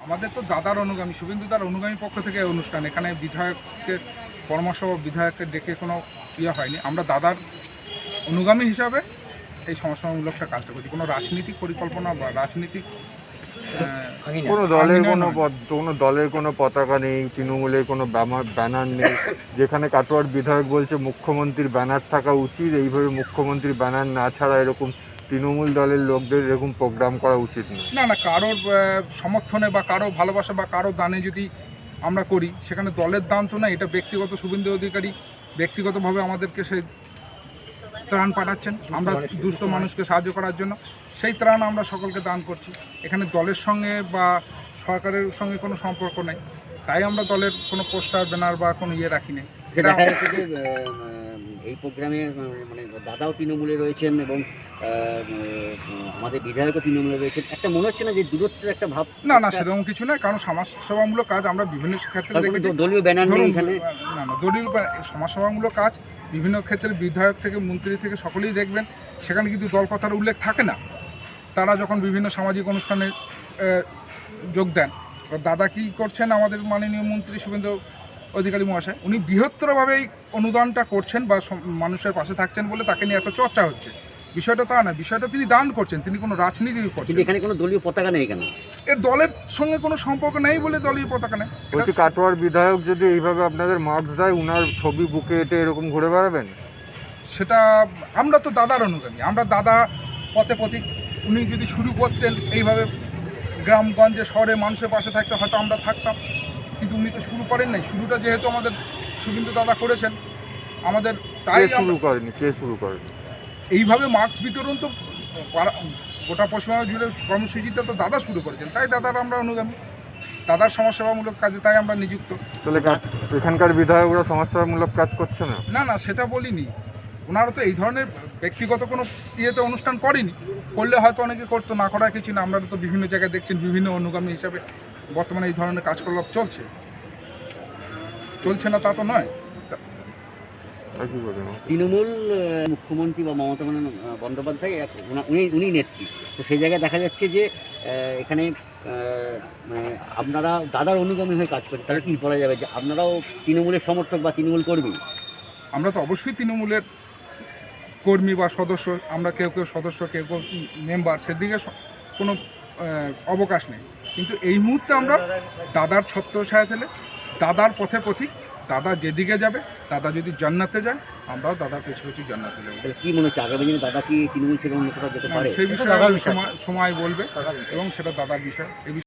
আমাদের তো দাদার অনুগামী, শুভেন্দু দার অনুগামী পক্ষ থেকে অনুষ্ঠান, এখানে বিধায়কের পরামর্শ বা বিধায়ককে ডেকে কোনো ইয়ে হয়নি। আমরা দাদার অনুগামী হিসাবে এই সমাজসেবামূলকটা কাজটা করছি। কোনো রাজনীতিক পরিকল্পনা বা রাজনীতিক কোনো দলের কোনো পতাকা নেই, তৃণমূলের কোনো ব্যানার নেই। যেখানে কাটোয়ার বিধায়ক বলছে মুখ্যমন্ত্রীর ব্যানার থাকা উচিত, এইভাবে মুখ্যমন্ত্রীর ব্যানার না ছাড়া এরকম তৃণমূল দলের লোকদের এরকম প্রোগ্রাম করা উচিত নয়। না, কারোর সমর্থনে বা কারো ভালোবাসা বা কারো দানে যদি আমরা করি, সেখানে দলের দান তো না, এটা ব্যক্তিগত। শুভেন্দু অধিকারী ব্যক্তিগতভাবে আমাদেরকে সেই ত্রাণ পাঠাচ্ছেন আমরা দুস্থ মানুষকে সাহায্য করার জন্য, সেই ত্রাণ আমরা সকলকে দান করছি। এখানে দলের সঙ্গে বা সরকারের সঙ্গে কোনো সম্পর্ক নেই, তাই আমরা দলের কোনো পোস্টার ব্যানার বা কোনো ইয়ে রাখি না। দেখা যাচ্ছে যে এই প্রোগ্রামে মানে দাদাও তৃণমূলে রয়েছেন এবং আমাদের বিধায়কও তৃণমূলে রয়েছেন, একটা মনে হচ্ছে না যে দূরত্বের একটা ভাব? না, সেরকম কিছু নয়, কারণ সমাজসেবামূলক কাজ আমরা বিভিন্ন ক্ষেত্রে দেখেছি। দলীয় ব্যানার নেই এখানে? না, দলীয় সমাজসেবামূলক কাজ বিভিন্ন ক্ষেত্রে বিধায়ক থেকে মন্ত্রী থেকে সকলেই দেখবেন, সেখানে কিন্তু দল কথার উল্লেখ থাকে না। তারা যখন বিভিন্ন সামাজিক অনুষ্ঠানে যোগ দেন, দাদা কী করছেন, আমাদের মাননীয় মন্ত্রী শুভেন্দু অধিকারী মহাশয় উনি বৃহত্তরভাবে এই অনুদানটা করছেন বা মানুষের পাশে থাকছেন বলে তাকে নিয়ে এত চর্চা হচ্ছে। বিষয়টা তা না, বিষয়টা তিনি দান করছেন, তিনি কোনো রাজনীতি করছেন। এখানে কোনো দলীয় পতাকা নেই কেন? এর দলের সঙ্গে কোনো সম্পর্ক নেই বলে দলীয় পতাকা নেই। বলছি কাটোয়ার বিধায়ক যদি এইভাবে আপনাদের মার্কস দেয়, উনার ছবি বুকে এঁটে এরকম ঘুরে বেড়াবেন? সেটা আমরা তো দাদার অনুগামী, আমরা দাদা পথে পথিক। উনি যদি শুরু করতেন এইভাবে গ্রামগঞ্জে শহরে মানুষের পাশে থাকতে, হয়তো আমরা থাকতাম, কিন্তু উনি তো শুরু করেন নাই। শুরুটা যেহেতু আমাদের শুভেন্দু দাদা করেছেন, আমাদের তাই কে শুরু করেনি এইভাবে মাস্ক বিতরণ তো গোটা পশ্চিমবঙ্গ জুড়ে কর্মসূচিটা তো দাদা শুরু করেছেন, তাই দাদার আমরা অনুগামী, দাদার সমাজসেবামূলক কাজে তাই আমরা নিযুক্ত। তাহলে এখানকার বিধায়করা সমাজসেবামূলক কাজ করছে না? না, সেটা বলিনি। ওনারা তো এই ধরনের ব্যক্তিগত কোনো ইয়েতে অনুষ্ঠান করেনি, করলে হয়তো অনেকে করতো, না করার কিছু না। আমরা তো বিভিন্ন জায়গায় দেখছেন বিভিন্ন অনুগামী হিসাবে বর্তমানে এই ধরনের কাজকলাপ চলছে না তা তো নয়। তৃণমূল মুখ্যমন্ত্রী বা মমতা বন্দ্যোপাধ্যায় উনি নেত্রী, তো সেই জায়গায় দেখা যাচ্ছে যে এখানে মানে আপনারা দাদার অনুগামী হয়ে কাজ করেন, তাহলে কী বলা যাবে যে আপনারাও তৃণমূলের সমর্থক বা তৃণমূল কর্মী? আমরা তো অবশ্যই তৃণমূলের কর্মী বা সদস্য, আমরা কেউ সদস্য, কেউ মেম্বার, সেদিকে কোনো অবকাশ নেই। কিন্তু এই মুহূর্তে আমরা দাদার ছত্রছায়া, দাদার পথে পথিক। দাদা যেদিকে যাবে, দাদা যদি জান্নাতে যায়, আমরাও দাদার পেছু জান্নাতে যাবো। কী মনে হচ্ছে আগামী দিনে দাদা কি তৃণমূল ছেড়ে অন্য কোথাও যেতে পারে? সেই বিষয়ে সময় বলবে এবং সেটা দাদার বিষয়।